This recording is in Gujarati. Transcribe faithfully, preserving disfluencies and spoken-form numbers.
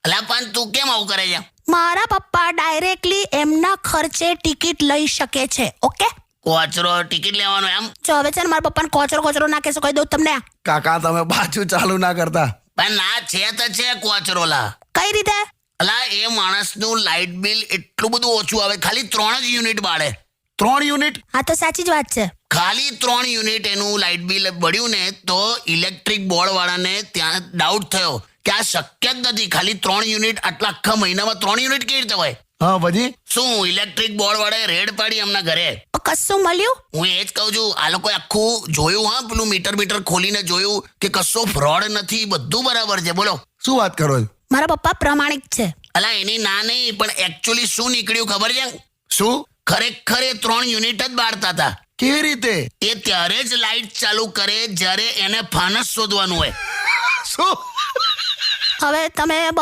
અલા પણ તું કેમ આવું કરે છે? મારા પપ્પા ડાયરેક્ટલી એમના ખર્ચે ટિકિટ લઈ શકે છે. ઓકે, કોચરો ટિકિટ લેવાનો એમ? જો હવે છે ને મારા પપ્પાને કોચરો કોચરો ના કહેશો, કહી દઉં તમને. કાકા તમે પાછું ચાલુ ના કરતા. પણ ના છે તો છે કોચરો લા. કઈ રીતે? અલા એ માણસનું લાઇટ બિલ એટલું બધું ઓછું આવે, ખાલી ત્રણ જ યુનિટ બાળે. ત્રણ યુનિટ? હા તો સાચી જ વાત છે. ખાલી ત્રણ યુનિટ એનું લાઇટ બિલ બળ્યું ને તો ઇલેક્ટ્રિક બોર્ડ વાળાને ત્યાં ડાઉટ થયો કે આ શક્ય જ નથી. ખાલી ત્રણ યુનિટ આટલા આખા મહિનામાં ત્રણ યુનિટ કેવી રીતે હોય? હા પછી? શું ઇલેક્ટ્રિક બોર્ડ વાળાએ રેડ પાડી એમના ઘરે. કશું મળ્યું? હું એ જ કહું છું, આ લોકોએ આખું જોયું, હા પેલું મીટર મીટર ખોલીને જોયું કે કશો ફ્રોડ નથી, બધું બરાબર છે. બોલો શું વાત કરો છો? મારા પપ્પા પ્રમાણિક છે. અલા એની ના નહીં, પણ એકચ્યુઅલી શું નીકળ્યું ખબર છે? શું? ખરેખર એ ત્રણ યુનિટ જ બાળતા હતા. કેવી રીતે? એ ત્યારે જ લાઇટ ચાલુ કરે જ્યારે એને ફાનસ શોધવાનું હોય. શું? હવે તમે